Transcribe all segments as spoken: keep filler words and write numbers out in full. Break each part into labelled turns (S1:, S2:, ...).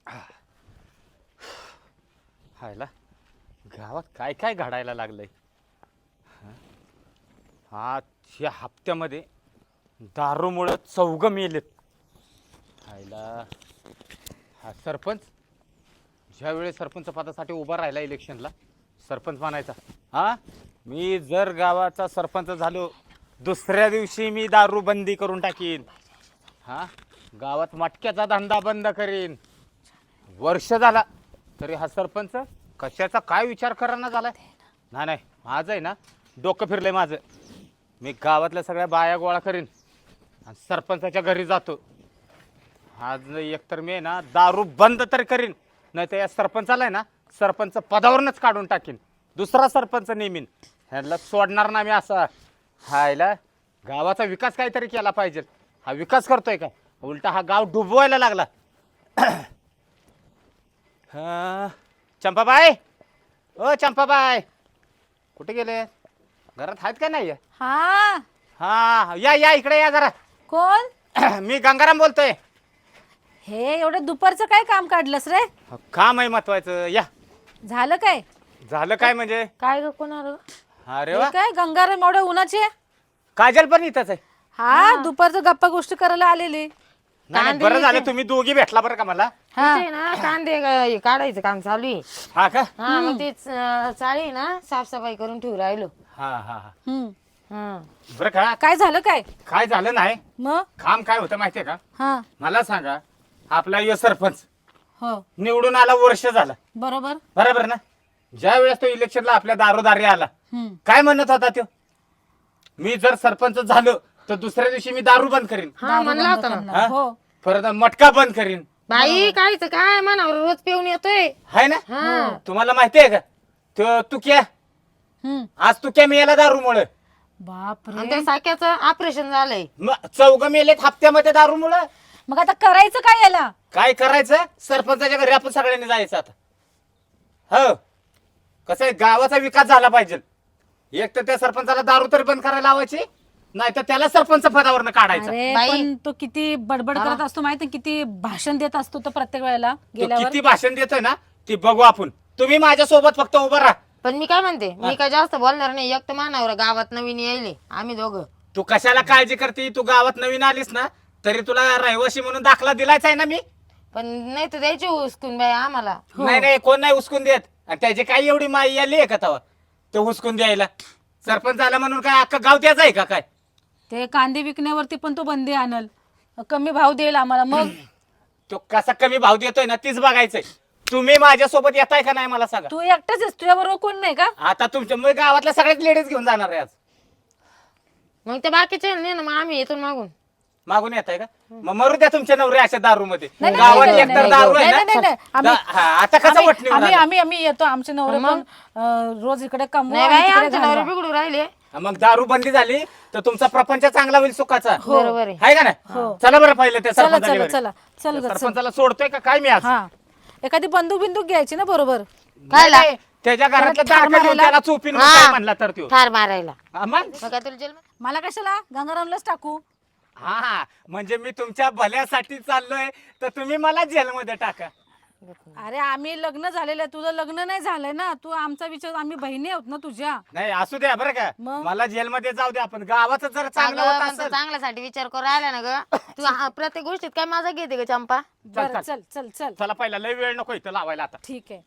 S1: हायला गावात काय काय घडायला लागलंय. हा या हप्त्यामध्ये दारूमुळं चौघ मेलेत. हायला हा सरपंच ज्यावेळेस सरपंच पदासाठी उभा राहिला इलेक्शनला सरपंच म्हणायचा, हा मी जर गावाचा सरपंच झालो दुसऱ्या दिवशी मी दारू बंदी करून टाकीन, हा गावात मटक्याचा धंदा बंद करीन. वर्ष झाला तरी हा सरपंच कशाचा काय विचार कराना झालाय. नाही नाही माझं आहे ना डोकं फिरलंय माझं. मी गावातल्या सगळ्या बाया गोळा करीन आणि सरपंचाच्या घरी जातो. आज एकतर मी आहे ना दारू बंद तर करीन, नाही तर या सरपंचाला आहे ना सरपंच पदावरूनच काढून टाकीन, दुसरा सरपंच नेमीन. ह्याला सोडणार ना मी असा. हायला गावाचा विकास काहीतरी केला पाहिजे. हा विकास करतोय का, उलटा हा गाव डुबवायला लागला. हा चंपाबाई, ओ चंपाबाई कुठे गेले? घरात आहेत का नाही?
S2: हा
S1: हा या या इकडे या जरा.
S2: कोण?
S1: मी गंगाराम बोलतोय.
S2: हे एवढं दुपारचं काय काम काढलंस रे?
S1: काम आहे महत्वाचं. या.
S2: झालं काय?
S1: झालं काय म्हणजे?
S2: काय ग कोण आलं?
S1: अरे वा,
S2: काय गंगाराम एवढ्या उन्हाचे?
S1: काजल पण इथंच आहे.
S2: हा दुपारचं गप्पा गोष्टी करायला आलेली.
S1: नाही नाही, बरं झालं तुम्ही दोघी भेटला बरं का मला.
S2: हा
S3: ते ना कांदे ग- काढायचं काम चालू आहे.
S1: हा का?
S3: हा मग ते चाळी ना साफसफाई करून ठेवू राहिलो.
S1: हा हा हा.
S2: हम्म.
S3: हा
S1: बरं का,
S2: काय झालं काय?
S1: काय झालं नाही.
S2: मग
S1: काम काय होतं माहितीये का?
S2: हा
S1: मला सांगा, आपला यो सरपंच
S2: हो
S1: निवडून आला वर्ष झालं
S2: बरोबर.
S1: बरोबर ना. ज्या वेळेस तो इलेक्शनला आपल्या दारोदारी आला
S2: हम्म.
S1: काय म्हणत होता तो, मी जर सरपंच झालो तर दुसऱ्या दिवशी मी दारू बंद करीन,
S3: हा
S2: दारू
S3: म्हणला
S2: बंद
S3: होता ना.
S2: करणार.
S1: हा?
S2: हो
S1: परत मटका बंद करीन.
S3: बाई कायच काय मनावर रोज पिऊन येतोय.
S1: हाय ना.
S3: हा
S1: तुम्हाला माहितीये का तो तुक्या
S2: हम्म.
S1: आज तुक्या मेला दारूमुळे.
S2: बापरे.
S3: आणि त्या साक्याचं ऑपरेशन झालंय.
S1: मग चौघ मेलेत हप्त्यामध्ये दारूमुळे.
S2: मग आता करायचं काय याला?
S1: काय करायचं, सरपंचाच्या घरी आपण सगळ्यांनी जायचं आता. हो कसं आहे, गावाचा विकास झाला पाहिजे. एक तर त्या सरपंचाला दारू तरी बंद करायला लावायची, नाही तर त्याला सरपंच पदावरनं काढायचं.
S2: अरे
S3: बाई.
S2: पण तो किती बडबड करत असतो माहिती, किती भाषण देत असतो तो प्रत्येक वेळेला
S1: तो
S2: गेल्यावर.
S1: किती भाषण देतोय ना ती बघू आपण. तुम्ही माझ्या सोबत फक्त उभं राहा.
S3: पण मी काय म्हणते, मी काय जास्त बोलणार नाही. एक तर मानावर गावात नवीन यायले आम्ही दोघं.
S1: तू कशाला काळजी करते, तू गावात नवीन आलीस ना तरी तुला रहिवासी म्हणून दाखला दिलाच आहे ना मी.
S3: पण नाही तर द्यायची हुसकून बाई आम्हाला.
S1: नाही नाही कोण नाही हुसकून देत. आणि त्याची काही एवढी माई आली आहे का तवा तो हुसकून द्यायला? सरपंच आला म्हणून काय अख्खं गाव त्याच आहे का काय?
S2: ते कांदे विकण्यावरती पण तो बंदी आणल, कमी भाव देईल आम्हाला. मग
S1: तो कसा कमी भाव देतोय ना तीच बघायचंय. तुम्ही माझ्यासोबत येताय का नाही मला सांगा.
S2: तू एकटाच आहेस, तुझ्याबरोबर कोण नाही का?
S1: आता तुमच्या मग गावातल्या सगळ्याच लेडीज घेऊन जाणार आहे आज.
S3: मग ते बाकीचे नाही ना, मग आम्ही येतो मागून.
S1: मागून येत आहे का? मग मरू द्या तुमच्या नवरे अशा दारू मध्ये.
S2: नाही,
S1: गावात
S2: नाही,
S1: एकतर
S2: नाही,
S1: दारू आहे
S2: नाही, नाही, नाही,
S1: ना.
S2: आम्ही-
S1: दा- हा, आता कसं
S2: आम्ही
S1: वटणी
S2: आम्ही
S1: होणार?
S2: आम्ही आम्ही येतो. आमचे नवरे पण अं, रोज इकडे कमवा
S3: नाही
S2: आणि
S3: बाई
S2: तिकडे
S3: आमच्या नवरे
S2: घालवा.
S3: बिघडू राहिले.
S1: मग दारू बंदी झाली तर तुमचा प्रपंच चांगला होईल सुखाचा.
S3: बरोबर आहे.
S1: आहे का नाही? चला बरं पहिलं त्या
S2: चला
S1: सरपंचाच्या
S2: चला
S1: घरी.
S2: चला चल ग, चल.
S1: सरपंचाला सोडतोय का काय मी आज?
S2: हा एखादी बंदूक बिंदूक घ्यायची ना बरोबर.
S1: काय नाही, त्याच्या घरातलं
S2: त्याला ठार
S1: दार घेऊन
S2: मारायला?
S1: त्याला चोपीन
S3: हा.
S1: काय म्हणला तर त्यो.
S3: ठार मारायला.
S1: हा, मग
S3: मग काय तुला जेल
S2: मला कशाला गंगारामलाच टाकू?
S1: हा हा म्हणजे मी तुमच्या भल्यासाठी चाललोय तर तुम्ही मला जेलमध्ये टाका.
S2: अरे आम्ही लग्न झालेलं आहे, तुझं लग्न नाही झालंय ना. तू आमचा विचार, आम्ही बहिणी आहोत ना तुझ्या.
S1: नाही असू द्या बरं का,
S2: मग?
S1: मला जेलमध्ये जाऊ द्या. आपण गावाचं जर चांगलं
S3: अगं,
S1: होत
S3: पण तू
S1: असेल.
S3: चांगल्यासाठी विचार करू राहिला ना ग. तू हा- प्रत्येक गोष्टीत काय माझा घेते ग चंपा.
S2: बरं चल चल चल
S1: चला पहिला लय वेळ नको इथं लावायला आता.
S2: ठीक आहे.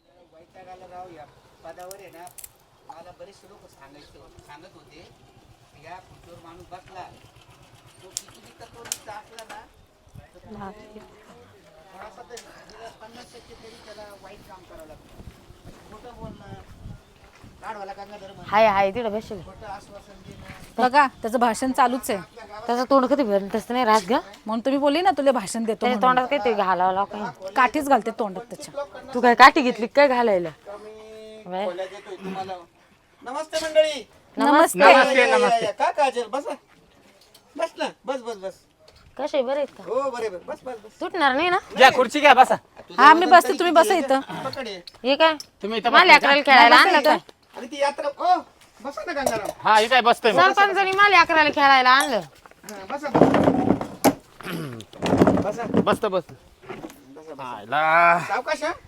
S4: पदावर आहे ना, मला बरेचसे लोक सांगायचे सांगत होते या खुर्चीवर माणूस बसला तो किती बी तत्वनिष्ठ असला ना तर थोडासा तरी म्हणजे पन्नास टक्के तरी त्याला वाईट काम करावं लागतं. खोटं बोलणं, काढवाला गंगाधर म्हणणं,
S3: हाय हाय तिकडे बसेल.
S4: खोटं आश्वासन देणं.
S2: बघा त्याचं भाषण चालूच आहे,
S3: त्याचं तोंड कधी भरलं तसं नाही राहत ग.
S2: म्हणून तुम्ही बोलली ना तुला भाषण देतो
S3: त्याच्या
S2: म्हणून.
S3: तोंडात काहीतरी घालावं लाव काही.
S2: काठीच घालते तोंडात त्याच्या.
S3: तू काय काठी घेतली काय घालायला?
S4: मी खोल्या देतोय तुम्हाला. नमस्ते मंडळी.
S2: नमस्ते.
S1: नमस्ते
S4: या, या,
S1: नमस्ते.
S4: या. का काजल बसा, बस ना, बस बस बस.
S3: कसे बरे आहेत का?
S4: हो बरे बरे, बस बस बस.
S3: सुटणार नाही ना?
S1: घ्या खुर्ची घ्या बसा.
S2: हा मी बसते, तुम्ही बसा इथं.
S4: पकड ये.
S3: हे काय
S1: तुम्ही इथं
S3: मला
S1: बसा.
S3: अकराला खेळायला आणलं काय?
S4: आणि ती यात्रा ओ बसा ना गंगाराम.
S1: हा हे काय बसतोय मी.
S3: सरपंचानी मला अकराला खेळायला आणलं.
S4: हा, बसा बसा
S1: बसतो बस.
S4: बसा.
S1: आयला
S4: सावकाश हा?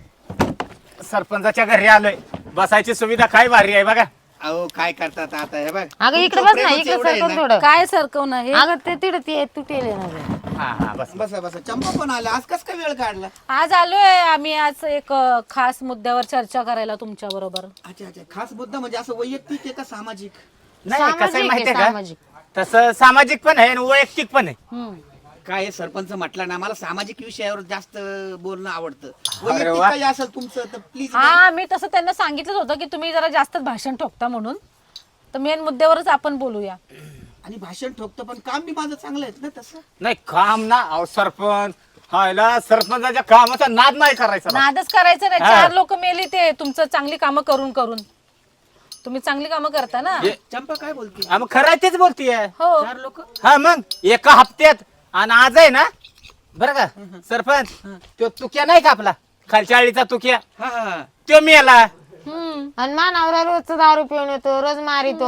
S1: सरपंचाच्या घरी आलोय. बसायची सुविधा काय भारी आहे बघा.
S4: अहो काय करतात आता हे बघ.
S3: अगं इकडे
S4: तुमचं
S3: बस ना,
S4: प्रेमच
S3: इकडे
S4: एवढं आहे
S3: सरकून
S4: ना.
S3: थोडं.
S2: काय सरकवणं हे
S3: अगं ते तिकडे ते तुटेल ना गं.
S1: हा हा बस.
S4: बसा बसा. चंपा पण आला. आज कस काय वेळ काढला?
S2: आज आलोय आम्ही आज एक अ, खास मुद्द्यावर चर्चा करायला तुमच्या बरोबर.
S4: अच्छा अच्छा. खास मुद्दा म्हणजे असं वैयक्तिक आहे का सामाजिक?
S1: नाही कसं आहे
S3: सामाजिक
S1: माहितीये
S3: आहे,
S1: का,
S3: सामाजिक.
S1: तसं सामाजिक पण आहे आणि वैयक्तिक पण आहे.
S4: काय हे सरपंच म्हटलं ना, मला सामाजिक विषयावर जास्त बोलणं आवडतं.
S1: अरे
S4: वैयक्तिक
S1: वा.
S4: काही असेल तुमचं तर प्लीज.
S2: हा मी तसं त्यांना सांगितलं होतं की तुम्ही जरा जास्त भाषण ठोकता म्हणून, तर मेन मुद्द्यावरच आपण बोलूया.
S4: आणि भाषण ठोकतं पण काम बी माझं चांगलं आहे ना तसं.
S1: नाही काम ना अहो सरपंच हायला सरपंचाच्या कामाचा नाद नाही करायचा बा.
S2: नादच करायचं नाही.
S1: हा.
S2: चार लोक मेली ते तुमचं चांगली कामं करून करून. तुम्ही चांगली कामं करता ना.
S1: हे-
S4: चंपा काय बोलते?
S1: हा, मग खरं आहे तेच बोलतीये.
S2: हो
S4: चार लोक.
S1: हा मग एका हप्त्यात आणि आज आहे ना बरं का सरपंच तो तुक्या नाही का आपला खालच्या आळीचा तुक्या
S4: हा हा.
S1: तो मेला.
S2: हम्म.
S3: आणि मानावरा रोज दारू पिऊन येतो, रोज मारितो.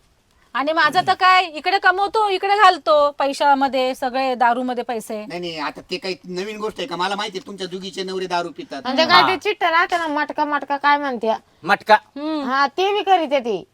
S2: आणि माझं तर काय इकडे कमवतो इकडे घालतो पैशामध्ये सगळे दारू मध्ये पैसे.
S4: नाही नाही आता ते काही नवीन गोष्ट आहे का? मला माहिती आहे तुमच्या दुगीचे नवरे दारू पितात.
S3: म्हणजे काय ते चिट्ट राहते ना, मटका मटका काय म्हणते.
S1: मटका
S2: हम्म.
S3: हा ते बी करीत ती.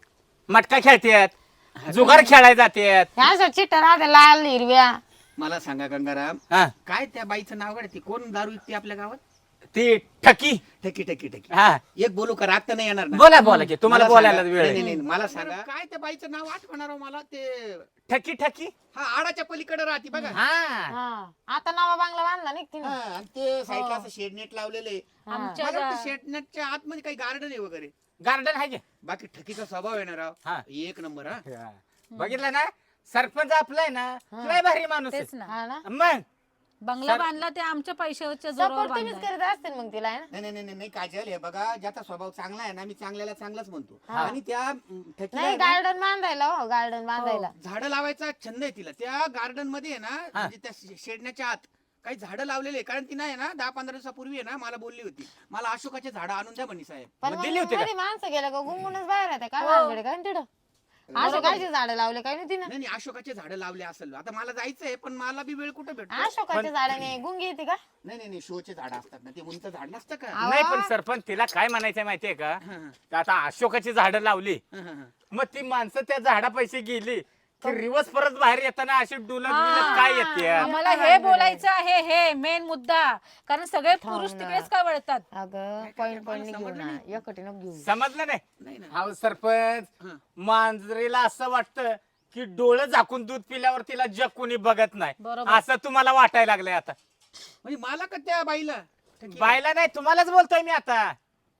S1: मटका खेळतात जुगार खेळायला जातात.
S3: ह्या असं चिट्ट राहते लाल हिरव्या.
S4: मला सांगा गंगाराम,
S1: हा
S4: काय त्या बाईचं नाव काय? ती कोण दारू विकते आपल्या गावात?
S1: ती ठकी.
S4: ठकी ठकी ठकी.
S1: हा
S4: एक बोलू का? राग तर नाही येणार ना?
S1: बोला बोला की तुम्हाला
S4: मला
S1: बोलायला
S4: सांगा.
S1: वेळ
S4: नाही,
S1: आहे.
S4: नाही, नाही, मला सांगा काय त्या बाईचं नाव आठवणार मला ते.
S1: ठकी ठकी
S4: हा आडाच्या पलीकडे राहते बघा.
S1: हा
S3: हा आता नवा बांगला बांधला नाही
S4: हा, आणि ते साईडला असं शेडनेट लावलेलं आहे.
S2: आमच्या
S4: मला वाटतं शेडनेटच्या आतमध्ये काही गार्डन आहे वगैरे.
S1: गार्डन आहे की?
S4: बाकी ठकीचा स्वभाव येणार राव.
S1: हा.
S4: एक नंबर हा.
S1: हा. बघितलं ना सरपंच आपला आहे ना लय भारी माणूस
S2: तेच
S1: आहे.
S2: ना.
S3: हा ना.
S1: मग
S2: बंगला बांधला ते आमच्या पैशाच्या जोरावर
S3: सपोर्ट तुम्हीच
S2: बांधलाय.
S3: करीत असतील मग तिला, है ना.
S4: नाही नाही नाही नाही काजल, हे बघा ज्याचा स्वभाव चांगला आहे ना, मी चांगल्याला चांगलाच म्हणतो. आणि त्या अं, ठकीला
S3: नाही
S4: आहे ना,
S3: गार्डन बांधायला, हो गार्डन बांधायला.
S4: झाडं लावायचा छंद आहे तिला. त्या गार्डन मध्ये आहे ना, म्हणजे त्या शे- शेडण्याच्या आत काही झाडं लावलेले आहे. कारण ती नाही ना दहा पंधरा दिवसापूर्वी आहे ना मला बोलली होती, मला अशोकाचे झाडं आणून द्या म्हणे साहेब.
S3: पण
S1: मग
S3: मग
S1: दिली होती का?
S3: मध्ये माणसं गेलं का गुंगूनच बाहेर येते काय
S2: हो.
S3: भानगडे काय तिथं. असं कायचे झाडं लावले काय नाही तिनं.
S4: नाही नाही अशोकाचे झाडं लावले असेल. आता मला जायचंय पण मला बी वेळ कुठे भेटतो?
S3: अशोकाच्या झाडाने गुंगी येते का.
S4: नाही नाही नाही शोचे झाड असतात ना, ते उंच झाड नसतं का?
S3: अहो.
S1: नाही पण सरपंच तिला काय म्हणायचं माहितीये का,
S4: हा, हा,
S1: तर आता अशोकाची झाडं लावली
S4: हा, हा, हा.
S1: मग ती माणसं त्या झाडापाशी गेली की रिवर्स परत बाहेर येताना अशी डुलत
S2: हा.
S1: बिलत काय येते.
S2: आम्हाला हे बोलायचं आहे, हे मेन मुद्दा. कारण सगळे पुरुष
S3: ना.
S2: तिकडेच का वळतात.
S3: अगं पॉइंट पॉइंट घेऊ ना, एकटी नको घेऊ.
S1: समजलं नाही?
S4: नाही ना.
S1: हा सरपंच
S4: हा.
S1: मांजरीला असं वाटतं की डोळं झाकून दूध पिल्यावर तिला जग कोणी बघत नाही,
S2: बरोबर.
S1: असं तुम्हाला वाटायला लागलंय आता.
S4: म्हणजे मला का त्या बाईला?
S1: बायला नाही तुम्हालाच बोलतोय मी आता.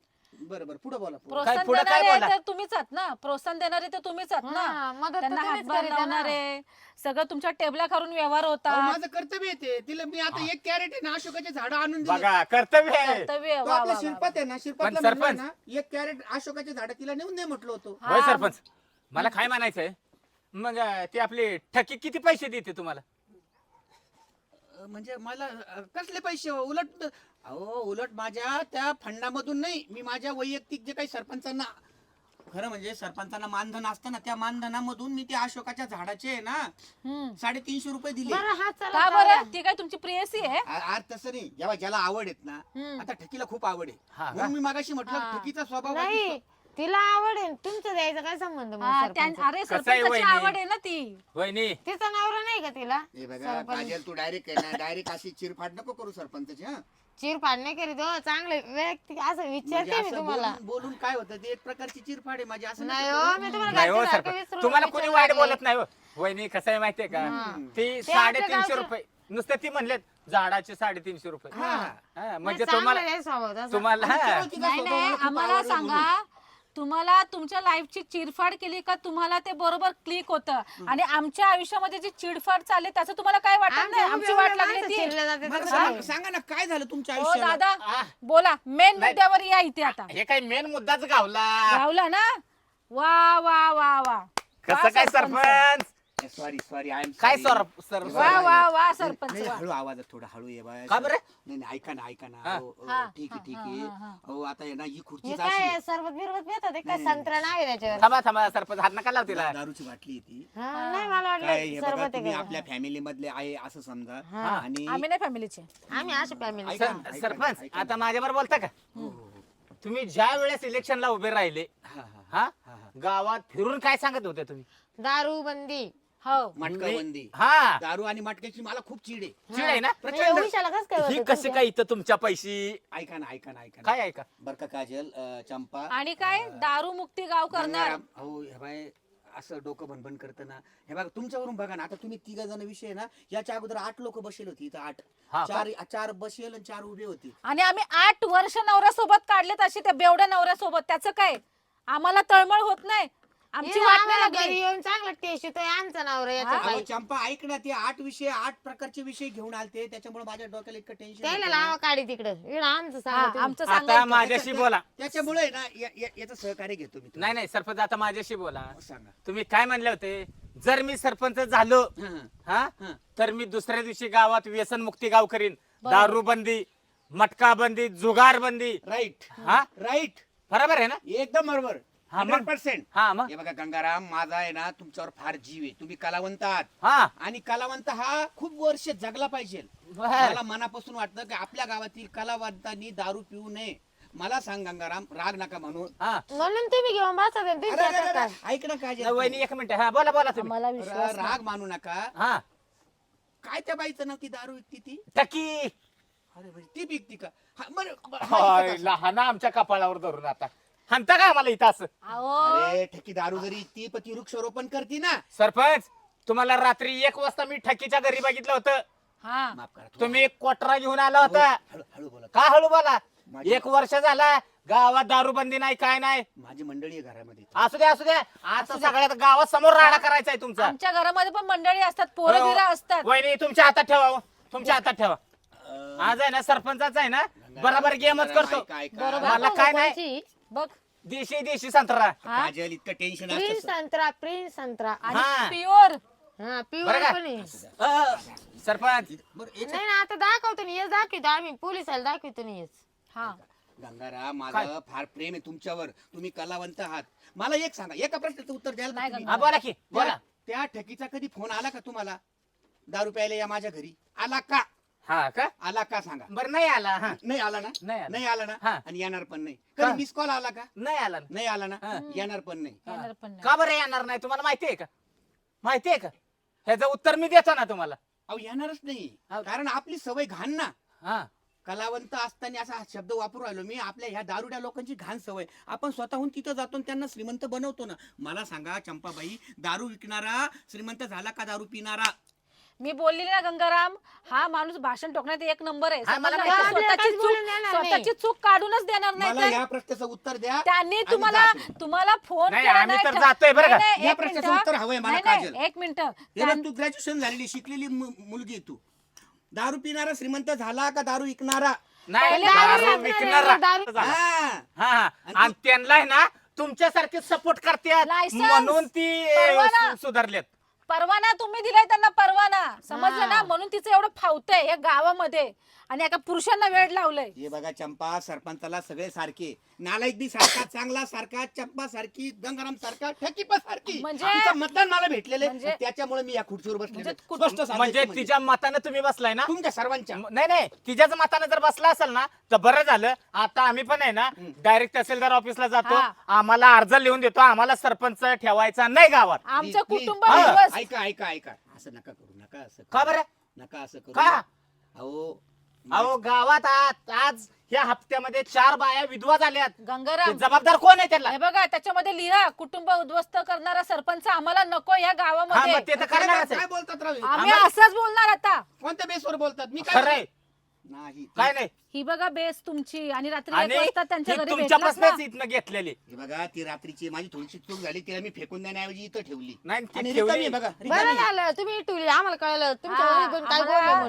S4: बरं बरं पुढे बोला पुढं.
S2: प्रोत्साहन
S1: पुढं काय
S2: देणारे
S1: बोला?
S2: तर तुम्हीच आहात ना. प्रोत्साहन देणारे तर तुम्हीच आहात
S3: हा,
S2: ना.
S3: मदत तर
S2: त्यांना
S3: तुम्हीच
S2: हातभार
S3: करीता ना.
S2: लावणारे सगळं तुमच्या टेबला खालून व्यवहार
S4: अहो,
S2: होता.
S4: माझं कर्तव्य येते तिला. मी आता एक कॅरेट आहे ना अशोकाचे झाडं आणून दिले.
S1: बघा कर्तव्य आहे.
S2: कर्तव्य
S4: तो
S2: वा, वा,
S4: आपल्या
S2: वा,
S4: शिरपात आहे ना, शिरपातला
S1: पण सरपंच-
S4: म्हणलं ना एक कॅरेट अशोकाचे झाडं तिला नेऊन दे म्हटलं होतं.
S2: हा.
S1: होय सरपंच, मला काय म्हणायचंय मग अं, ती आपली ठकी किती पैसे देते तुम्हाला?
S4: अं, म्हणजे मला अं, कसले पैसे हो? उलट अहो उलट माझ्या त्या फंडामधून नाही, मी माझ्या वैयक्तिक जे काही सरपंचांना, खरं म्हणजे सरपंचांना मानधन असतं ना, त्या मानधनामधून मी त्या अशोकाच्या झाडाचे आहे ना
S2: हम्म.
S4: साडेतीनशे रुपये दिले.
S3: बरं हात चला
S2: का
S3: जाऊया.
S2: बरं ती काय तुमची प्रियसी आहे.
S4: आ- आज तसं नाही, जेव्हा ज्याला आवड आहेत ना,
S2: हम्म.
S4: आता ठकीला खूप आवड आहे.
S1: हा का?
S4: म्हणून मी मागाशी म्हटलं
S2: हा.
S4: ठकीचा स्वभाव
S3: नाही तिला आवडेल, तुमचं द्यायचं काय संबंध मग
S2: हा,
S3: सरपंच?
S2: त्या- अरे
S1: कसं आहे
S2: सरपंचाची
S1: वहिनी?
S2: आवड आहे ना ती.
S1: वहिनी
S3: तिचा नवरा नाही का तिला.
S4: हे बघा
S3: सरपंच.
S4: काजल, तू डायरेक्ट ना डायरेक्ट अशी चिरफाड नको करू सरपंचाची. हा
S3: चिरफाड नाही करीत हो, चांगले व्यक्ती असं
S4: म्हणजे
S3: विचारते मी
S4: असं
S3: तुम्हाला.
S4: बोलून बोलून काय होतं, ते एक प्रकारची चिरफाड आहे माझी. असं
S3: नाही
S4: नका
S3: हो,
S4: करू.
S3: मी तुम्हाला
S1: नाही हो
S3: घरच्या सारखं
S1: सरपंच,
S3: विचारून
S1: तुम्हाला कोणी
S3: विचारून
S1: वाईट
S3: लागले.
S1: बोलत नाही हो. वहिनी कसं आहे माहितीये का, ती
S3: आपल्या
S1: साडेतीनशे
S3: गावचं-
S1: रुपये नुसतं ती म्हणलेत झाडाचे साडेतीनशे रुपये.
S4: हा.
S1: हा, म्हणजे
S3: नाही,
S1: तुम्हाला
S3: चांगलं आहे स्वभाव तसा.
S1: तुम्हाला
S4: आणि
S1: हा.
S4: तेव्हा तिचा
S2: नाही
S4: स्वभाव
S2: नाही
S4: मला खूप
S2: आम्हाला
S4: आवडला
S2: सांगा, तुम्हाला तुमच्या लाईफची चिरफाड केली का तुम्हाला ते बरोबर क्लिक होतं, आणि आमच्या आयुष्यामध्ये जी चिडफाड चालली त्याचं तुम्हाला काय वाटत नाही.
S3: आमच्या
S2: आमची
S3: उभ्या
S2: वाट
S3: उभ्या
S2: लागली
S3: माणसं
S2: ती.
S3: चिरले जाते
S4: मला
S3: तर
S4: सांगा
S3: काय?
S4: सांगा ना काय झालं तुमच्या
S2: हो
S4: आयुष्यात?
S2: दादा बोला, मेन
S1: नाही.
S2: मुद्द्यावर या इथे आता.
S1: हे काही मेन मुद्दाच गावला.
S2: गावला ना. वा वा वा वा.
S1: कसं
S2: वा
S1: काय
S2: sarpanch.
S1: Sarpanch
S4: sorry sorry I am
S1: काय सर सर
S4: हे
S2: वा
S4: बघा,
S2: वा वा सरपंच
S4: नाही,
S2: वा.
S4: हळू आवाजात थोडा हळू ये बाय
S1: का बरं?
S4: नाही नाही ऐका ना ऐका ना
S1: हा.
S4: अहो, अहो,
S2: हा,
S4: ठीक आहे
S2: हा,
S4: ठीक
S2: हा,
S4: आहे
S2: हा, हा.
S4: अहो आता आहे ना ही खुर्ची
S3: हे
S4: अशी
S3: काय सरबत बिरबत पितात हे काय
S4: नाही,
S3: संत्रा नाही त्याच्यावर
S1: थांबा थांबा सरपंच हात नका लाव तिला.
S4: दारूची बाटली आहे ती
S3: हा, नाही मला
S4: काय हे
S3: वाटलं
S4: बघा
S3: सरबत
S4: तुम्ही
S3: आहे
S4: आपल्या फॅमिली मधले आहे असं समजा
S3: हा.
S4: आणि
S2: आम्ही नाही फॅमिलीचे.
S3: का. आम्ही अशी फॅमिली
S4: ऐका
S1: सर-
S4: ना, ऐका ना,
S1: सरपंच
S4: ऐका ना.
S1: आता माझ्यावर बोलता का
S4: हो, हो, हो.
S1: तुम्ही ज्या वेळेस इलेक्शनला उभे राहिले
S4: हा, हा,
S1: हा
S4: हा, हा.
S1: गावात फिरून काय सांगत होते तुम्ही
S3: दारू बंदी
S2: हो
S4: मटका
S1: मी-
S4: बंदी
S1: हा
S4: दारू आणि मटक्याची मला खूप चिड आहे
S1: चिड आहे ना
S3: म्हणजे उशाला कसं काय
S1: ही
S3: होतं
S1: कशी
S3: तुमच्या?
S1: काय इथं तुमच्या पैशी
S4: ऐका ना ऐका ना ऐका ना
S1: काय ऐका
S4: बर का काजल अं, चंपा
S2: आणि काय दारू मुक्ती गाव करणार.
S4: गंगाराम, हो हे बाय असं डोकं भनभन करतं ना हे बघा तुमच्यावरून बघा ना आता तुम्ही तिघा जण विषय ना याच्या अगोदर आठ लोक बसेल होती इथं आठ
S1: हा का?
S4: चार चार बसेल आणि चार उभे होते
S2: आणि आम्ही आठ वर्ष नवऱ्यासोबत काढलेत अशी त्या बेवड्या नवऱ्यासोबत. त्याचं काय आम्हाला तळमळ होत नाही. आमची
S3: हे
S2: वाट नाही
S3: आम्हाला
S2: लागली.
S3: घरी येऊन चांगलं टेस्ट येतोय आमचं नवरा याच्या
S2: हा?
S4: अहो,
S3: बाई.
S4: चंपा ऐक ना ते आठ विषय आठ प्रकारचे विषय घेऊन आलते त्याच्यामुळे माझ्या डोक्याला इतकं टेन्शन
S3: त्याला
S4: होतं ना.
S3: लावा काढी तिकडं इकडं आमचं
S2: हा,
S3: सांगा तुम्ही.
S2: आमचं
S1: आता
S2: सांगायचं.
S1: माझ्याशी बोला
S4: त्याच्यामुळे ना या- या- याचं सहकार्य घेतो मी
S1: नाही नाही सरपंच आता माझ्याशी बोला
S4: सांगा
S1: तुम्ही काय म्हणले होते जर मी सरपंच झालो
S4: हा, हा.
S1: हा
S4: हा.
S1: तर मी दुसऱ्या दिवशी गावात व्यसन मुक्ती गाव करीन दारू बंदी मटका बंदी जुगार बंदी
S4: राईट
S1: हा
S4: राईट
S1: बरोबर आहे ना
S4: एकदम बरोबर
S1: हा, मग?
S4: हंड्रेड पर्सेंट
S1: हा मग
S4: हे बघा गंगाराम माझा आहे ना तुमच्यावर फार जीव आहे तुम्ही कलावंत आहात
S1: हा
S4: आणि कलावंत हा खूप वर्ष जगला पाहिजे
S1: बर.
S4: मला मनापासून वाटतं की आपल्या गावातील कलावंतांनी दारू पिऊ नये मला सांग गंगाराम राग नका म्हणून
S1: हा
S3: म्हणून तुम्ही घेऊन बसा ते, तुम्ही
S4: अरे, अरे,
S3: त्याच्यात
S4: अरे,
S3: काय?
S4: ऐक ना काय
S1: नाही, वहिनी एक मिनिट हा बोला बोला तुम्ही
S2: आम्हाला विश्वास नाही.
S4: राग मानू नका
S1: हा
S4: काय त्या बाईचं नाव ती दारू विकती ती
S1: टकी
S4: अरे बाई, ती विकती का हा, बरं, बरं, हा,
S1: हाय,
S4: इथं का?
S1: लहान आमच्या कपाळावर धरून आता हाणता का आम्हाला इथं असं
S2: अहो
S4: अरे ठकी दारू जरी विकती पण ती वृक्षारोपण करती ना
S1: सरपंच तुम्हाला रात्री एक वाजता मी ठकीच्या घरी बघितलं होतं
S2: हा
S4: माफ करा थोडं.
S1: तुम्ही एक कोटरा घेऊन आला होता
S4: हळू हळू बोला
S1: का हळू बोला
S4: माझी-
S1: एक वर्ष झाला गावात दारूबंदी नाही काय नाही
S4: माझी मंडळी आहे घरामध्ये
S1: असू द्या असू द्या आता सगळ्यात गावात समोर राडा करायचा आहे तुमचा
S2: आमच्या घरामध्ये पण मंडळी असतात पोरं बिरं असतात.
S1: वहिनी तुमच्या हातात ठेवा हो. तुमच्या हातात ठेवा
S4: अं,
S1: आज आहे ना सरपंचाचा आहे ना बरोबर गेमच करतो
S4: ऐका, ऐका.
S2: बरोबर.
S1: मला काय नाही
S3: कोणची?
S2: बघ
S1: देशी देशी संत्रा
S2: हा
S4: काजल इतकं टेन्शन
S3: प्रिन्स
S4: असतं
S3: संत्रा प्रिन्स संत्रा
S1: हा.
S2: आणि प्युअर
S3: हा प्युअर
S1: बरं का?
S3: पण आहे.
S1: अ, सरपंच
S4: बरं याच्यात-
S3: नाही ना आता दाखवतो ना हेच दाखवतो आम्ही पोलिसाला दाखवतो ना हेच
S2: हा
S4: गंगाराम माझं फार प्रेम आहे तुमच्यावर तुम्ही कलावंत आहात मला एक सांगा एका प्रश्नाचं उत्तर द्याल का
S2: नाही
S4: तुम्ही?
S1: हा बोला की बोला
S4: त्या- त्या ठकीचा कधी फोन आला का तुम्हाला दारू प्यायला या माझ्या घरी आला का
S1: हा का
S4: आला का सांगा
S1: बरं नाही आला हा
S4: नाही आला ना
S1: नाही आला.
S4: नाही आला ना
S1: हा.
S4: आणि येणार पण नाही
S1: का?
S4: कधी मिस कॉल आला का
S1: नाही आला ना.
S4: नाही आला ना
S1: हा.
S4: येणार पण नाही
S2: येणार पण नाही.
S1: का बरं येणार नाही तुम्हाला माहिती आहे का माहिती आहे का ह्याचं उत्तर मी देतो ना तुम्हाला
S4: अहो येणारच नाही
S1: हा.
S4: कारण आपली सवय घाण ना
S1: हा
S4: कलावंत असताना असा शब्द वापरू राहिलो मी आपल्या ह्या दारुड्या लोकांची घाण सवय आपण स्वतःहून तिथं जातो आणि त्यांना श्रीमंत बनवतो ना मला सांगा चंपाबाई दारू विकणारा श्रीमंत झाला का दारू पिणारा
S2: मी बोलली ना गंगाराम हा माणूस भाषण टोकण्यात एक नंबर आहे
S1: हा, मला
S2: समजलं?
S1: माहिती
S3: आहे.
S2: स्वतःची
S3: आपल्याला
S2: चूक
S3: बोलून देणार नाही.
S2: स्वतःची चूक काढूनच देणार नाही
S4: मला
S2: तर
S4: या प्रश्नाचं उत्तर द्या
S2: त्यांनी
S4: आणि
S2: तुम्हाला
S4: जा तुम्ही.
S2: तुम्हाला फोन
S1: नाही,
S2: केला
S1: आम्ही
S2: नाही
S1: तर
S2: का?
S1: जातोय बरं का?
S2: नाही, नाही,
S4: या
S2: एक
S4: प्रश्नाचं
S2: मिनिटं.
S4: उत्तर हवंय मला,
S2: नाही, नाही,
S4: काजल.
S2: एक मिनिट
S4: हे बघ, तू ग्रॅज्युएशन झालेली शिकलेली मु- मुलगी आहे तू दारू पिणारा श्रीमंत झाला का दारू विकणारा
S1: नाही
S2: पहिले
S1: दारू
S3: दारू
S1: विकणारा
S3: दारू-
S1: झाला.
S4: हा.
S1: हा हा आणि त्यांना आहे ना तुमच्यासारखे सपोर्ट करतात
S2: License,
S1: म्हणून ती
S2: परवाना.
S1: सु- सुधारलेत
S2: परवाना तुम्ही दिलाय त्यांना परवाना समजलं ना
S3: हा.
S2: म्हणून तिचं एवढं फावतंय या गावामध्ये आणि एका पुरुषांना वेळ लावलंय.
S4: हे बघा चंपा सरपंचाला सगळे सारखे नालायक बी सारखा चांगला सारखा चंपा सारखी गंगाराम सारखा ठकी पण सारखी
S2: म्हणजे-
S4: तिचं मतदान मला भेटलेलं आहे.
S2: म्हणजे-
S4: त्याच्यामुळे मी या खुर्चीवर बसले
S2: म्हणजे कुठ-
S4: स्पष्ट सांगायचं
S1: म्हणजे
S4: म्हणजे.
S1: तिच्या मतानं तुम्ही बसलाय ना
S4: तुमच्या सर्वांच्या
S1: म- नाही नाही तिच्याच मतानं जर बसला असेल ना तर बरं झालं आता आम्ही पण आहे ना डायरेक्ट तहसीलदार ऑफिसला जातो
S2: हा.
S1: आम्हाला अर्ज लिहून देतो आम्हाला सरपंच ठेवायचा नाही गावात
S2: आमचं
S4: Please,
S2: कुटुंब
S4: please. हा,
S2: उद्ध्वस्त.
S4: ऐका ऐका ऐका असं नका करू नका असं
S1: का
S4: करू.
S1: बरं
S4: नका असं करू
S1: का?
S4: अहो
S1: अहो गावात आज आज या हप्त्यामध्ये चार बाया विधवा झाल्यात ते
S2: गंगाराम
S1: जबाबदार कोण आहे त्याला
S2: हे बघा त्याच्यामध्ये लिहा कुटुंब उद्ध्वस्त करणारा सरपंच आम्हाला नको या
S1: हा
S2: गावामध्ये
S1: मग ते तर
S4: काय
S1: करणारच आहे.
S4: काय बोलतात राव हे?
S2: आम्ही
S1: आम्हाला-
S2: असंच बोलणार आता.
S4: कोणत्या बेसवर बोलतात मी काय
S1: खरंय
S4: नाही
S1: काय नाही
S2: ही बघा बेस तुमची आणि रात्री एक
S1: आणि
S2: वाजता त्यांच्या
S1: ती
S2: घरी
S1: तुमच्यापासूनच
S2: भेटलात ना.
S1: इथनं घेतलेली
S4: हे बघा ती रात्रीची माझी थोडीशी चूक झाली तिला मी फेकून देण्याऐवजी इथं ठेवली
S1: नाही ती
S4: आणि
S1: ठेवली.
S4: रिकामी आहे बघा
S3: बरं
S4: रिकामी.
S3: झालं तुम्ही टुली आम्हाला कळलं तुमच्या
S2: हा,
S3: घरी पण काय
S2: आम्हाला-
S3: बोलले म्हणून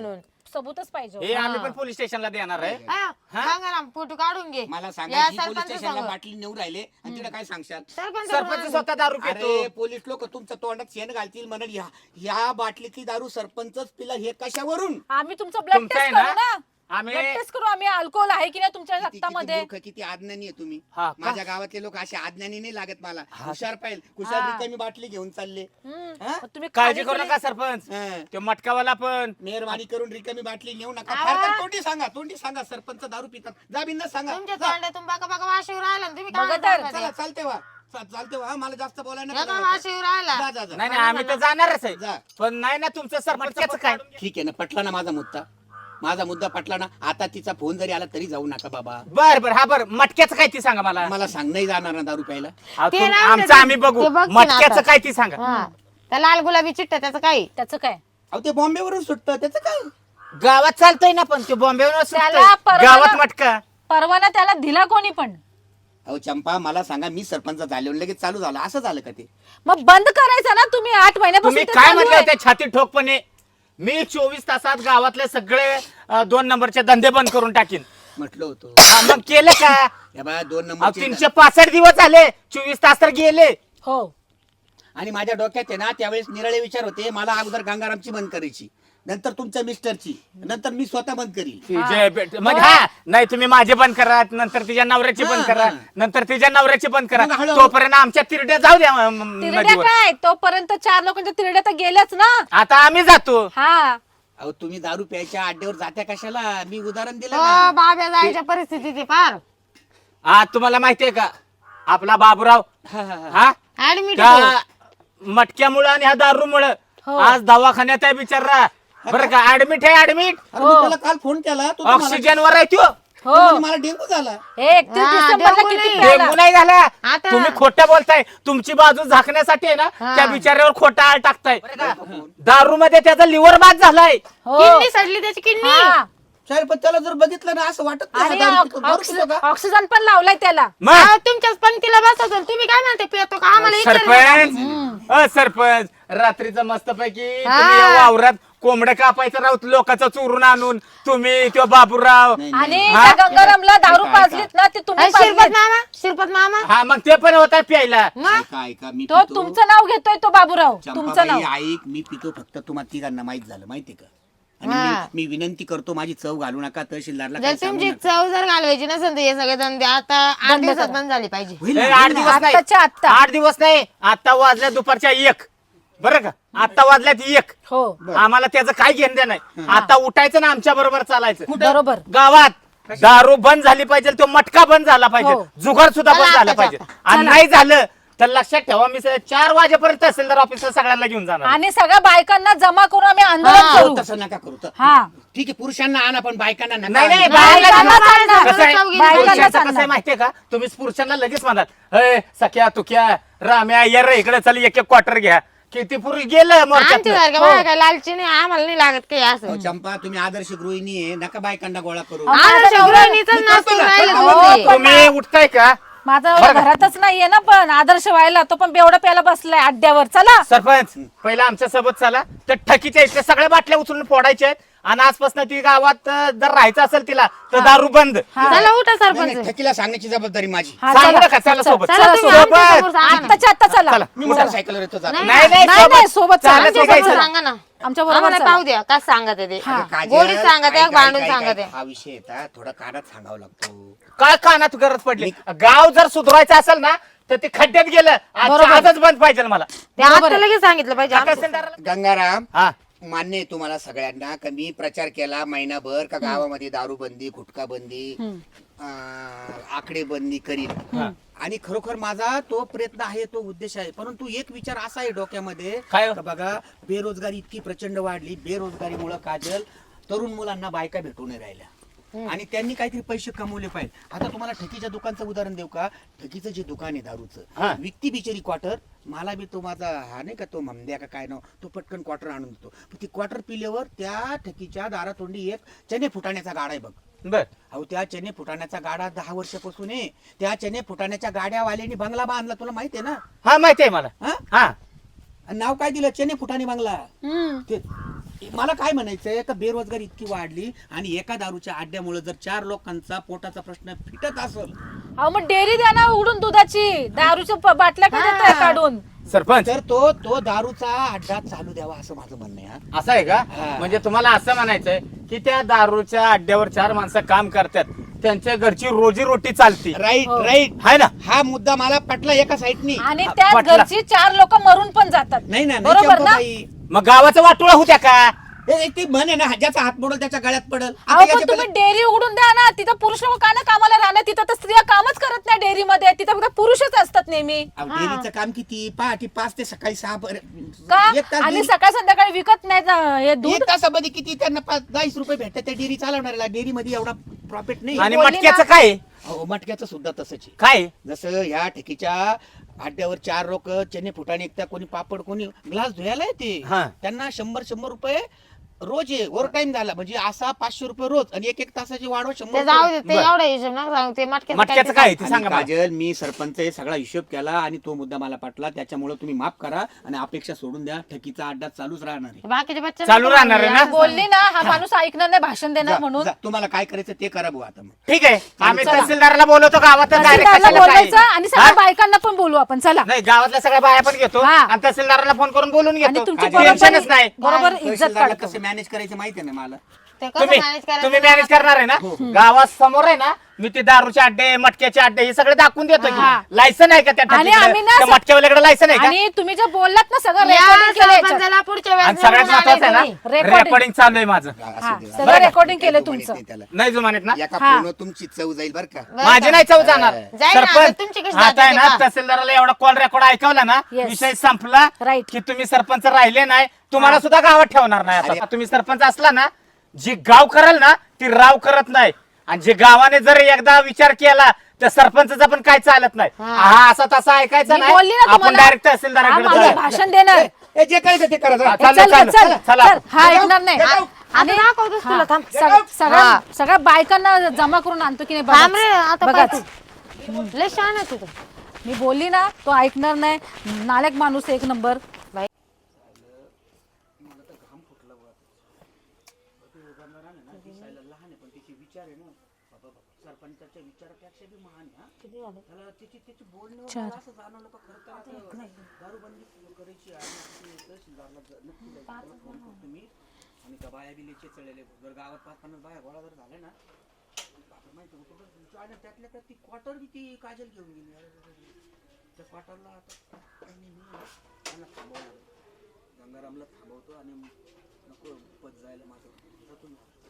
S2: सबूतच पाहिजे
S1: हे आम्ही पण पोलीस स्टेशनला देणार आहे
S3: गंगाराम फोटो काढून घे
S4: मला
S3: या
S4: सांगा पोलीस
S3: सरपंच
S4: स्टेशनला
S3: सांग.
S4: बाटली नेऊ राहिले आणि तिला काय सांगशाल?
S3: सरपंच
S1: सरपंच स्वतः दारू पितो
S4: अरे पोलीस लोक तुमच्या तोंडात शेण घालतील म्हणून या या बाटलीतली दारू सरपंचच पिला हे कशावरून?
S2: आम्ही तुमचं ब्लड
S1: तुमचं आहे
S2: टेस्ट करू
S1: ना?
S2: ना
S1: आम्ही
S2: ब्लड टेस्ट करू आम्ही अल्कोहोल आहे की नाही तुमच्या
S4: किती- किती
S2: रक्तामध्ये
S4: मूर्ख, किती अज्ञानी आहे तुम्ही.
S1: हा का?
S4: माझ्या गावातले लोक असे अज्ञानी नाही लागत मला. हुशार पाहिजे हुशार
S2: हा.
S4: रिकामी बाटली घेऊन चालले.
S2: हम्म.
S4: हा?
S2: मग तुम्ही
S1: काळजी
S2: खाली
S1: करू
S2: केली-
S1: नका सरपंच
S4: हा.
S1: तो मटकावाला पण
S4: मेहरबानी करून रिकामी बाटली नेऊ नका.
S3: आवा.
S4: फार तर तोंडी सांगा तोंडी सांगा सरपंच दारू पितात. जा बिंदा सांगा.
S3: तुमच्या
S4: जा.
S3: तोंडातून बाका बाका वाशीवर आला ना तुम्ही काय
S2: बघा तर,
S3: म्हणता
S4: चला
S3: ते?
S4: चालते वा चा- चालते वा मला जास्त बोलायला
S3: या
S4: नका
S3: का
S4: लावू.
S3: वाशीवर आला
S4: जा जा जा.
S1: नाही नाही आम्ही तर जाणारच आहे
S4: जा.
S1: पण नाही ना तुमचं सरपंचाचं काय
S4: ठीक आहे ना पटला ना माझा मुद्दा माझा मुद्दा पटला ना. आता तिचा फोन जरी आला तरी जाऊ नका बाबा.
S1: बर बर हा बर मटक्याचं काय ती सांगा मला
S4: मला सांग नाही जाणार ना दारू प्यायला.
S1: अहो,
S3: ते
S1: तुम-
S3: नाही
S1: आमचं
S3: ते-
S1: आम्ही बघू
S3: ते बघते ना
S1: मटक्याचं
S3: आता.
S1: काय ती सांगा
S3: हा त्या लाल गुलाबी चिट्ट त्याचं काय
S2: त्याचं काय
S4: अहो ते बॉम्बे वरून सुटतं त्याचं काय?
S1: गावात चालतोय ना पण ते बॉम्बेवर
S2: त्याला परवाना-
S1: गावात मटका
S2: परवाना त्याला दिला कोणी पण
S4: अहो चंपा मला सांगा मी सरपंच झाले लगेच चालू झालं असं झालं का ते?
S2: मग बंद करायचं ना तुम्ही आठ महिन्यापासून
S1: तुम्ही
S2: ते
S1: काय
S2: चालू
S1: म्हटलं
S2: आहे.
S1: त्या छाती ठोकपणे मी चोवीस तासात गावातले सगळे अं, दोन नंबरचे धंदे बंद करून टाकीन
S4: म्हटलं होतं.
S1: हा, मग केले का
S4: या बा दोन
S1: अहो,
S4: नंबर
S1: तीनशे पासष्ट दिवस झाले चोवीस तास तर गेले
S2: हो
S4: आणि माझ्या डोक्यात आहे ना त्यावेळेस निराळे विचार होते. मला अगोदर गंगारामची बंद करायची नंतर तुमच्या मिस्टरची नंतर मी स्वतः बंद करील.
S1: तिचे बेट- म्हणजे हा नाही तुम्ही माझे बंद करा नंतर तिच्या नवऱ्याची बंद
S4: हा,
S1: करा
S4: हा.
S1: नंतर तिच्या नवऱ्याची बंद करा
S4: मग हळूहळू-
S1: तोपर्यंत आमच्या तिरड्या जाऊ द्या म- म-
S2: तिरड्या
S1: नदीवर
S2: काय तोपर्यंत चार लोकांच्या तिरड्या तर गेल्याच ना
S1: आता आम्ही जातो
S2: हा
S4: अहो तुम्ही दारू प्यायच्या अड्ड्यावर जात्या कशाला? मी उदाहरण दिलं
S3: हो
S4: ना.
S3: बाब्या जायच्या परिस्थिती ती फार
S1: आज तुम्हाला माहितीये का आपला बाबूराव
S4: हा, हा, हा.
S1: हा
S3: ऍडमिट
S1: त्या मटक्यामुळं आणि ह्या दारूमुळं
S2: हो.
S1: आज दवाखान्यात आहे बिचारा बरं का ऍडमिट आहे ऍडमिट
S4: अरे मी त्याला काल फोन केला तो तर मला-
S1: ऑक्सिजन वर आहे तो
S2: हो
S4: तो म्हणे मला डेंगू झाला.
S2: हे एकतीस
S3: हा,
S2: डिसेंबरला
S3: डेंगू
S2: किती
S3: नाही.
S2: प्यायला?
S1: डेंगू नाही झाला
S3: आता-
S1: तुम्ही खोटं बोलताय तुमची बाजू झाकण्यासाठी आहे ना
S3: हा.
S1: त्या बिचाऱ्यावर खोटा आळ टाकताय दारू मध्ये त्याचा लिव्हर बाद झालाय
S2: हो
S3: किडनी सडली त्याची किडनी
S2: हा.
S4: साहेब पण त्याला जर बघितलं ना असं वाटत नाही
S2: आणि
S4: हा दारू पितो. दारू
S2: ऑक्सि-
S4: पितो का?
S2: ऑक्सिजन पण लावलाय त्याला
S1: मग
S3: अहो, तुमच्याच पंक्तीला बसवतो तुम्ही काय म्हणते पितो का आम्हाला विचारलं का?
S1: सरपंच अ सरपंच रात्रीचं मस्त पैकी
S3: हा.
S1: तुम्ही या वावरात कोंबडं कापायचं राहत लोकांचं चोरून आणून तुम्ही तो बाबूराव
S4: नाही,
S2: आणि
S4: नाही.
S1: हा?
S2: त्या गंगारामला दारू
S4: ऐका, ऐका.
S2: पाजलीत ना ते तुम्ही
S3: अरे, शिरपत
S2: पाजलीत.
S3: मामा शिरपत मामा
S1: हा मग ते पण होता प्यायला
S3: मग
S4: ऐका ऐका मी
S2: तो
S4: पितो.
S2: तुमचं नाव घेतोय तो बाबूराव तुमचं नाव
S4: चंपाबाई ऐक मी पितो फक्त तुम्हाला तिघांना माहित झालं माहिती का? आणि
S3: हा.
S4: मी- मी विनंती करतो माझी चव घालू नका तहसीलदारला
S3: जर
S4: काही सांगू
S3: तुमची
S4: नका.
S3: चव जर घालवायची नसेल तर हे सगळे धंदे आता आठ
S2: बंद
S3: दिवसात
S2: करा.
S3: बंद झाली पाहिजे
S4: होईल
S1: ए,
S4: ना,
S1: आठ
S4: होईल ना.
S1: दिवस नाही
S2: आत्ताच्या आत्ता.
S1: आठ दिवस नाही आता वाजल्या दुपारच्या एक बरं का आता वाजल्यात एक
S2: हो
S1: आम्हाला त्याचं काय घेणं देणं नाही आता उठायचं ना आमच्या बरोबर चालायचं
S2: बरोबर
S1: गावात दारू बंद झाली पाहिजे तो मटका बंद झाला पाहिजे
S2: हो.
S1: जुगार सुद्धा
S3: चला
S1: बंद झाला
S3: आता,
S1: पाहिजे
S3: चला.
S1: आणि नाही झालं तर लक्षात ठेवा मी स- चार वाजेपर्यंत तहसीलदार ऑफिसला सगळ्यांना घेऊन जाणार
S2: आणि सगळ्या बायकांना जमा करून आम्ही आंदोलन
S3: हा.
S2: करू
S4: तसं नका करू तर.
S2: हा
S4: ठीक आहे पुरुषांना आणा पण बायकांना नका
S1: नाही नाही
S4: आणू.
S1: बाहेर
S2: बायकांना
S1: कसं आहे?
S2: चालणार.
S1: कसं आहे?
S2: बायकांना
S1: पुरुषांचं कसं आहे
S2: चालणार.
S1: माहितीये का तुम्ही पुरुषांना लगेच म्हणतात अय सख्या तुक्या राम्या ये रे इकडे चल एक एक क्वार्टर घ्या किती पुरुष गेलं
S3: आमची
S1: मोर्चात
S3: सारखं बघा काय लालची नाही आम्हाला नाही लागत काही असं
S4: अहो, चंपा तुम्ही आदर्श गृहिणी आहे नका बायकांना गोळा करू
S2: अहो,
S3: आदर्श
S2: माझं
S3: गृहिणीचंच
S4: मी
S3: नाच
S4: करतो
S3: करून
S4: ना,
S3: राहिलं
S4: करतो
S3: तुम्ही.
S4: ना.
S1: तुम्ही उठताय का
S2: माझा
S1: बरं का?
S2: घरातच नाहीये ना पण आदर्श व्हायला तो पण बेवडा प्यायला बसलाय अड्ड्यावर चला
S1: सरपंच पहिला आमच्या सोबत चला तर ठकीच्या इथल्या सगळ्या बाटल्या उचलून फोडायच्या आहेत आणि आजपासून ती गावात अं, जर राहायचं असेल तिला तर दारू बंद
S3: चला उठा
S4: नाही, नाही,
S3: सरपंच
S4: ठकीला सांगण्याची जबाबदारी माझी.
S2: हा,
S1: सांगू
S2: चला.
S1: नका चला सोबत
S3: चला तुम्ही
S1: सोबत.
S3: आमच्या समोर सांगा ना.
S2: आत्ताच्या आत्ता चला
S1: चला
S4: मी मोटरसायकलवर येतो जातो.
S3: नाही,
S1: नाही नाही
S2: नाही, नाही,
S1: सोबत
S2: सोबत चला.
S1: चालत
S3: आमच्या
S1: निघायचं.
S3: समोर सांगा ना
S2: आमच्या बरोबर
S3: आम्हाला
S2: चला.
S3: पाहू द्या काय सांगत आहे ते
S2: हा.
S4: काजल,
S3: गोडीत सांगत आहे
S4: ऐक,
S3: भांडून
S4: ऐक,
S3: सांगत
S4: ऐक,
S3: आहे
S4: हा विषय येतात थोडा कानात सांगावा लागतो.
S1: काय कानात गरज पडली गाव जर सुधारायचं असेल ना तर ते खड्ड्यात गेलं आजच्या
S2: बरोबर.
S1: आजच बंद पाहिजे मला
S3: ते आता लगेच सांगितलं पाहिजे आमचं.
S1: तहसीलदाराला-
S4: गंगाराम
S1: हा
S4: मान्य आहे तुम्हाला सगळ्यांना कमी प्रचार केला महिनाभर का गावामध्ये दारू बंदी गुटखा बंदी आकडे बंदी करील आणि खरोखर माझा तो प्रयत्न आहे तो उद्देश आहे परंतु एक विचार असा आहे डोक्यामध्ये
S1: काय हो?
S4: का बघा बेरोजगारी इतकी प्रचंड वाढली बेरोजगारीमुळे काजल तरुण मुलांना बायका भेटू नाही राहिल्या आणि त्यांनी काहीतरी पैसे कमवले पाहिजे. आता तुम्हाला ठकीच्या दुकानचं उदाहरण देऊ का? ठकीचं जे दुकान आहे
S1: हा.
S4: दारूचं विकती बिचारी क्वार्टर मला बी तो माझा हा नाही का तो ममद्या का काय नाव तो पटकन क्वार्टर आणून देतो पण ती क्वार्टर पिल्यावर त्या ठकीच्या दारातोंडी एक चने फुटाण्याचा गाडा आहे बघ
S1: बर
S4: अहो त्या चने फुटाण्याचा गाडा दहा वर्षापासून आहे त्या चने फुटाण्याच्या गाड्यावाल्यांनी बंगला बांधला तुला माहिती आहे ना
S1: हा माहिती आहे मला
S4: हा
S1: हा
S4: आणि नाव काय दिलं चने फुटाणे बंगला
S2: हम्म.
S4: ते मला काय म्हणायचंय का बेरोजगारी इतकी वाढली आणि एका दारूच्या अड्ड्यामुळे जर चार लोकांचा पोटाचा प्रश्न फिटत असेल
S2: अहो मग डेअरी द्या ना उघडून दुधाची, दारूच्या प- बाटल्या का देताय काढून?
S1: सरपंच
S4: तर तो तो दारूचा अड्डा चालू द्यावा असं माझं म्हणणं आहे हा.
S1: असं आहे का?
S4: हा.
S1: म्हणजे तुम्हाला असं म्हणायचंय की त्या दारूच्या अड्ड्यावर चार माणसं काम करतात, त्यांच्या घरची रोजी रोटी चालती,
S4: राईट
S2: हो.
S4: राईट
S1: आहे ना?
S4: हा मुद्दा मला पटला एका साईडनी.
S2: आणि त्या
S1: वाटला.
S2: घरची चार लोक मरून पण जातात.
S4: नाही ना नाही
S2: बरोबर ना?
S4: चंपाबाई.
S1: मग गावाचं वाटोळा होत्या का?
S4: हे ती म्हण आहे ना, ज्याचा हात मोडल त्याच्या गळ्यात पडल. आता
S2: अहो पण
S4: याच्या
S2: तुम्ही
S4: पहिले-
S2: डेअरी उघडून द्या ना, तिथं पुरुष लोक का ना कामाला राहणार? तिथं तर स्त्रिया कामच करत नाही डेअरी मध्ये, तिथं फक्त पुरुषच असतात नेहमी.
S4: अहो, डेअरीचं काम किती? पहाटे पाच ते सकाळी सहा पर्यंत.
S2: का?
S4: एक तास
S2: आणि
S4: डेअरी-
S2: सकाळ संध्याकाळी विकत नाही ना हे दूध.
S4: एक तासामध्ये किती त्यांना पाच दहाच रुपये भेटतात त्या डेअरी चालवणाऱ्याला. डेअरी मध्ये एवढा प्रॉफिट नाही.
S1: आणि
S2: बोलली
S1: मटक्याचं
S2: ना.
S1: काय आहे?
S4: अहो, मटक्याचं सुद्धा तसंच आहे.
S1: काय आहे?
S4: जसं ह्या ठेकीच्या अड्ड्यावर चार लोक चने फुटाणे एकता, कोणी पापड, कोणी ग्लास धुयाला येते,
S1: हा.
S4: त्यांना शंभर शंभर रुपये रोज आहे. ओव्हर टाइम झाला म्हणजे असा पाचशे रुपये रोज आणि एक एक तासाची वाढव शंभर
S3: ते जाऊ
S4: रुपये.
S3: दे, ते
S1: बरं.
S3: एवढा हिशोब नका सांगू. ते मटक्याचं
S1: मटक्याचं
S3: काय
S1: काय आहे ते
S4: आणि
S1: सांगा मला.
S4: काजल, मी सरपंच आहे, सगळा हिशोब केला आणि तो मुद्दा मला पटला. त्याच्यामुळे तुम्ही माफ करा आणि अपेक्षा सोडून द्या. ठकीचा अड्डा चालूच राहणार आहे.
S3: ते बाकीच्या बच्चे
S1: चालू राहणार आहे ना?
S2: बोलली ना हा माणूस ऐकणार नाही, भाषण देणार
S4: जा-
S2: म्हणून.
S4: जा, तुम्हाला काय करायचं ते करा भाऊ आता मग.
S1: ठीक आहे, आम्ही
S4: चला.
S1: तहसीलदाराला बोलवतो गावात.
S2: तहसीलदारला बोलवायचं आणि सगळ्या बायकांना पण बोलू आपण. चला
S1: नाही, गावातल्या सगळ्या बाया पण घेतो
S2: हा.
S1: आणि तहसीलदाराला फोन करून बोलून
S2: आणि
S1: घेतो.
S2: तुमची
S1: काही टेन्शनच नाही.
S2: बरोबर इज्जत
S4: तहसीलदारला
S2: काढतो.
S4: कसं मॅनेज करायचं माहिती आहे ना मला.
S3: ते कसं
S1: तुम्ही
S3: मॅनेज करायचं?
S1: तुम्ही मॅनेज करणार आहे ना? गावात समोर आहे ना, मी ते दारूचे अड्डे, मटक्याचे अड्डे हे सगळे दाखवून देतो.
S2: हा.
S1: लायसन आहे का त्या
S2: आणि
S1: ठिकाणी?
S2: आम्ही ना
S1: त्या
S2: स-
S1: मटक्यावाल्याकडे लायसन आहे का?
S2: आणि तुम्ही जे बोललात ना सगळं
S3: या
S2: रेकॉर्डिंग केलं याच्यात.
S3: सरपंचाला पुढच्या
S1: आणि
S3: वेळेस
S1: सगळ्यात
S3: निवडून
S1: महत्वाचं आहे
S3: आणायचं
S1: ना,
S3: नाही.
S2: Recording.
S1: रेकॉर्डिंग चालू आहे माझं.
S2: हा,
S4: असू दे.
S2: सगळं रेकॉर्डिंग केलं
S4: काही
S2: तुमचं.
S4: नाही त्याला.
S1: नाही जो म्हणत ना,
S4: एका
S2: हा.
S4: फोनवर तुमची चव जाईल बरं का.
S3: बरं
S1: माझी
S3: का?
S1: नाही चव जाणार.
S3: जाईल ना, आता तुमची कशी
S1: आता आहे
S3: जाते
S1: ना,
S3: का?
S1: तहसीलदाराला एवढा कॉल रेकॉर्ड ऐकवला ना,
S2: Yes.
S1: विषय संपला.
S2: Right.
S1: की तुम्ही सरपंच राहिले नाही, तुम्हाला सुद्धा गावात ठेवणार नाही. आता
S4: अरे.
S1: तुम्ही सरपंच असला ना, जी गाव कराल ना ती राव करत नाही. आणि जे गावाने जर एकदा विचार केला तर सरपंचाचा पण काय चालत नाही.
S3: हा.
S1: हा असा तसा ऐकायचा
S2: मी बोलली ना
S1: नाही. आपण
S2: तुम्हाला.
S1: डायरेक्ट
S2: हा
S1: तहसीलदाराकडे
S2: माणूस
S1: जाऊया.
S2: भाषण देणार.
S4: ए, जे करायचं ते करा जरा.
S1: हा,
S2: ए,
S1: चालू,
S2: चल
S1: चालू.
S2: चल
S1: चला.
S2: चल हा ऐकणार नाही.
S4: जाऊ.
S2: आणि
S3: आता दाखवतोस तुला, थांब.
S2: हा, सग- सगळ्या
S3: हा.
S2: सगळ्या बायकांना जमा करून आणतो की नाही
S3: थांब रे,
S2: बघाच.
S3: आता
S2: बघाच.
S3: पाहतो. लय शहाणा आहे तू तर.
S2: मी बोलली ना तो ऐकणार नाही. नालायक माणूस एक नंबर.
S4: सरपंचाच्या विचारापेक्षा बी महान आहे, हा. त्याला तिची तिची बोलणं मला असं जाणवलं का खरं तर आता दारूबंदी करायची आहे आणि तिथे तहसीलदारला ज- नक्की जायचं. त्याला फोन करतो मी आणि त्या बाया बी लेचे चढलेले. जर गावात पाच पन्नास बाया गोळा जर झाले ना, बापरे, माहिती होतं बरं. आणि त्यातल्या त्यात ती क्वार्टर बी ती काजल घेऊन गेली. अरे, अरे, अरे. त्या क्वार्टरला आता काही नाही, मी त्यांना थांबवणार. गंगारामला थांबवतो आणि नको पद जायला माझं जातो मी.